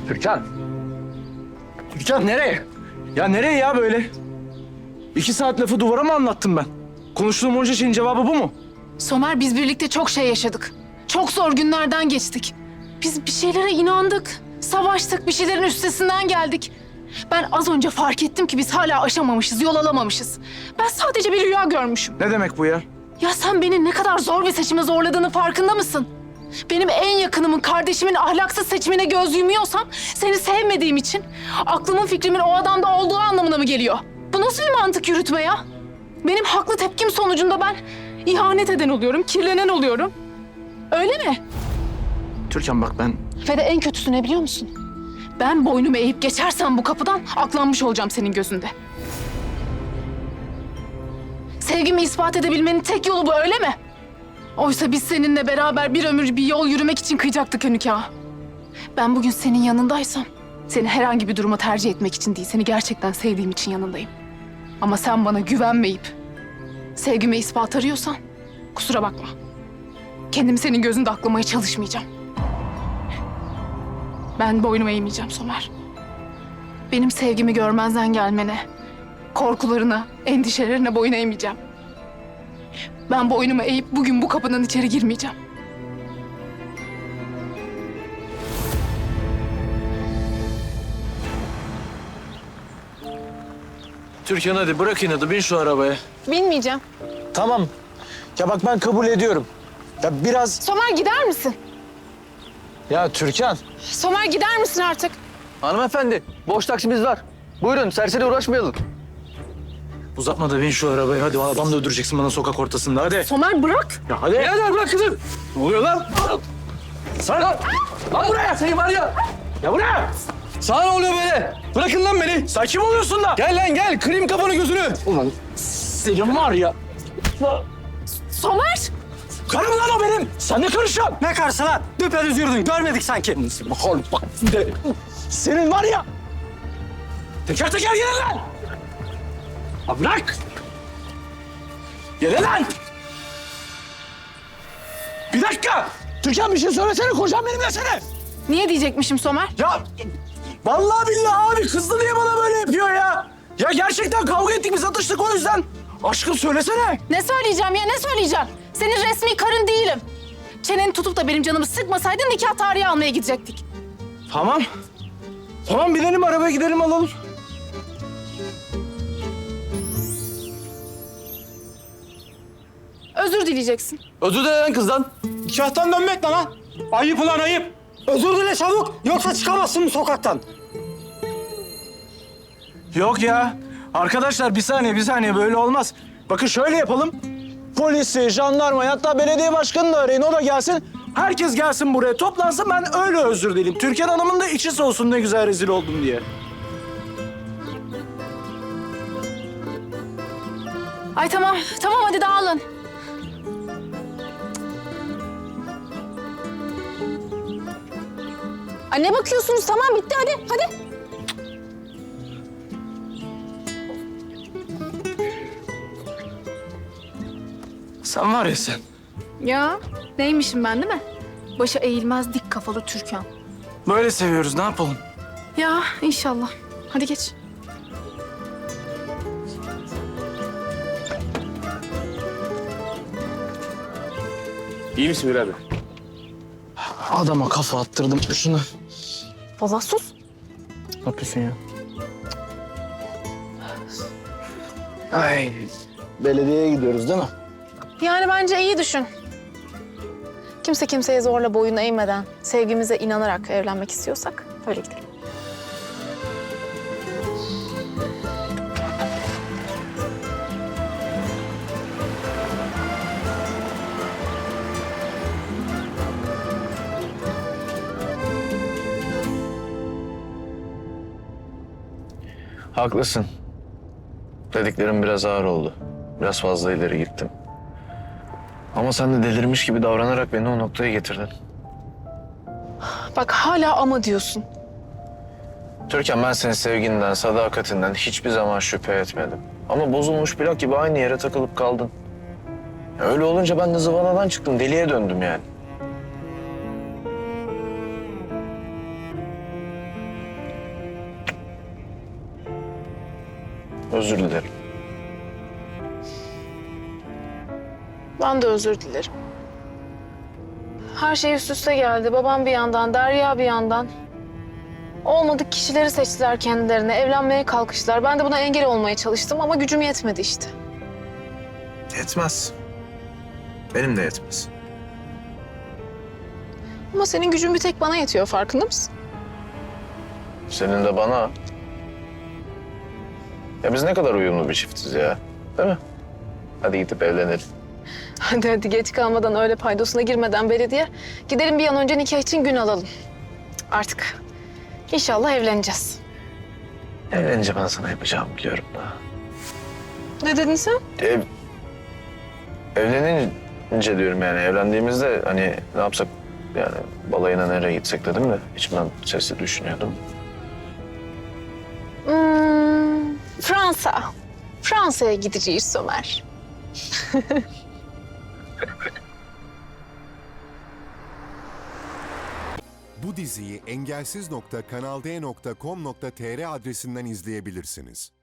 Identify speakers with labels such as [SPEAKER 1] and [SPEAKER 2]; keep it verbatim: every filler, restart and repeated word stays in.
[SPEAKER 1] Türkan. Türkan nereye? Ya nereye ya böyle? İki saat lafı duvara mı anlattım ben? Konuştuğum onca şeyin cevabı bu mu?
[SPEAKER 2] Somer, biz birlikte çok şey yaşadık. Çok zor günlerden geçtik. Biz bir şeylere inandık. Savaştık, bir şeylerin üstesinden geldik. Ben az önce fark ettim ki biz hala aşamamışız, yol alamamışız. Ben sadece bir rüya görmüşüm.
[SPEAKER 1] Ne demek bu ya?
[SPEAKER 2] Ya sen beni ne kadar zor bir seçime zorladığını farkında mısın? Benim en yakınımın, kardeşimin ahlaksız seçimine göz yumuyorsam seni sevmediğim için aklımın fikrimin o adamda olduğu anlamına mı geliyor? Bu nasıl bir mantık yürütme ya? Benim haklı tepkim sonucunda ben ihanet eden oluyorum, kirlenen oluyorum. Öyle mi?
[SPEAKER 1] Türkan bak ben...
[SPEAKER 2] Ve de en kötüsü ne biliyor musun? Ben boynumu eğip geçersem bu kapıdan aklanmış olacağım senin gözünde. Sevgimi ispat edebilmenin tek yolu bu, öyle mi? Oysa biz seninle beraber bir ömür bir yol yürümek için kıyacaktık nikahı. Ben bugün senin yanındaysam seni herhangi bir duruma tercih etmek için değil, seni gerçekten sevdiğim için yanındayım. Ama sen bana güvenmeyip sevgime ispat arıyorsan kusura bakma. Kendimi senin gözünde aklamaya çalışmayacağım. Ben boynumu eğmeyeceğim Somer. Benim sevgimi görmezden gelmene, korkularına, endişelerine boyun eğmeyeceğim. Ben boynumu eğip bugün bu kapının içeri girmeyeceğim.
[SPEAKER 1] Türkan hadi bırak inadı, bin şu arabaya.
[SPEAKER 2] Bilmeyeceğim.
[SPEAKER 1] Tamam. Ya bak ben kabul ediyorum. Ya biraz...
[SPEAKER 2] Somer, gider misin?
[SPEAKER 1] Ya Türkan.
[SPEAKER 2] Somer, gider misin artık?
[SPEAKER 3] Hanımefendi, boş taksimiz var. Buyurun, serseri uğraşmayalım.
[SPEAKER 1] Uzatma da bin şu arabaya. Hadi adam da öldüreceksin bana sokak ortasında hadi.
[SPEAKER 2] Somer, bırak.
[SPEAKER 1] Ya hadi.
[SPEAKER 3] Birader bırak kızım.
[SPEAKER 1] Ne oluyor lan?
[SPEAKER 3] Sana lan. Lan buraya, seni var ya.
[SPEAKER 1] Ya buraya.
[SPEAKER 3] Sana ne oluyor böyle? Bırakın lan beni.
[SPEAKER 1] Sen kim oluyorsun da?
[SPEAKER 3] Gel lan gel, kırayım kafanı gözünü.
[SPEAKER 1] Ulan senin var ya.
[SPEAKER 2] Somer!
[SPEAKER 1] Karım lan o benim. Sen ne karışıyorsun?
[SPEAKER 4] Ne karşı lan? Düpedüz yürüdün. Görmedik sanki.
[SPEAKER 1] Bakalım bak. De. Senin var ya. Teker teker gelin lan. Ha bırak. Gelin lan. Bir dakika. Türkan bir şey söylesene. Kocam benim desene.
[SPEAKER 2] Niye diyecekmişim Somer?
[SPEAKER 1] Ya vallahi billahi abi kızdı diye bana böyle yapıyor ya. Ya gerçekten kavga ettik biz atıştık o yüzden. Aşkım söylesene.
[SPEAKER 2] Ne söyleyeceğim ya, ne söyleyeceğim? Senin resmi karın değilim. Çeneni tutup da benim canımı sıkmasaydın nikah tarihi almaya gidecektik.
[SPEAKER 1] Tamam. Tamam binelim arabaya gidelim alalım.
[SPEAKER 2] Özür dileyeceksin.
[SPEAKER 3] Özür dile lan kızdan.
[SPEAKER 4] Nikahtan dönmek ne lan? Ayıp ulan ayıp. Özür dile çabuk. Yoksa çıkamazsın bu sokaktan.
[SPEAKER 1] Yok ya. Arkadaşlar bir saniye bir saniye böyle olmaz. Bakın şöyle yapalım. Polisi, jandarmayı hatta belediye başkanını da arayın o da gelsin. Herkes gelsin buraya toplansın ben öyle özür dileyim. Türkan Hanım'ın da içi soğusun ne güzel rezil oldum diye.
[SPEAKER 2] Ay tamam, tamam hadi dağılın. Ay ne bakıyorsunuz? Tamam bitti hadi, hadi.
[SPEAKER 1] Sen var ya sen.
[SPEAKER 2] Ya neymişim ben değil mi? Başa eğilmez dik kafalı Türkan.
[SPEAKER 1] Böyle seviyoruz ne yapalım?
[SPEAKER 2] Ya inşallah. Hadi geç.
[SPEAKER 3] İyi misin birader?
[SPEAKER 1] Adama kafa attırdım şunu.
[SPEAKER 2] Valla sus.
[SPEAKER 1] Ne yapıyorsun ya? Ay. Belediyeye gidiyoruz değil mi?
[SPEAKER 2] Yani bence iyi düşün. Kimse kimseye zorla boyun eğmeden, sevgimize inanarak evlenmek istiyorsak öyle gidelim.
[SPEAKER 5] Haklısın. Dediklerim biraz ağır oldu. Biraz fazla ileri gittim. Ama sen de delirmiş gibi davranarak beni o noktaya getirdin.
[SPEAKER 2] Bak hala ama diyorsun.
[SPEAKER 5] Türkan ben senin sevginden, sadakatinden hiçbir zaman şüphe etmedim. Ama bozulmuş plak gibi aynı yere takılıp kaldın. Öyle olunca ben de zıvanadan çıktım, deliye döndüm yani. Özür dilerim.
[SPEAKER 2] Ben de özür dilerim. Her şey üst üste geldi. Babam bir yandan, Derya bir yandan. Olmadık kişileri seçtiler kendilerine. Evlenmeye kalkıştılar. Ben de buna engel olmaya çalıştım ama gücüm yetmedi işte.
[SPEAKER 5] Yetmez. Benim de yetmez.
[SPEAKER 2] Ama senin gücün bir tek bana yetiyor, farkında mısın?
[SPEAKER 5] Senin de bana. Ya biz ne kadar uyumlu bir çiftiz ya. Değil mi? Hadi gidip evlenelim.
[SPEAKER 2] Hadi hadi geç kalmadan, öyle paydosuna girmeden belediye. Gidelim bir an önce nikah için gün alalım. Artık inşallah evleneceğiz.
[SPEAKER 5] Evlenince ben sana yapacağımı biliyorum da.
[SPEAKER 2] Ne dedin sen?
[SPEAKER 5] Ev... Evlenince diyorum yani. Evlendiğimizde hani ne yapsak yani balayına nereye gitsek dedim de içimden sesli düşünüyordum.
[SPEAKER 2] Hmm, Fransa. Fransa'ya gideceğiz Somer.
[SPEAKER 6] Bu diziyi engelsiz nokta kanal d nokta com nokta tr adresinden izleyebilirsiniz.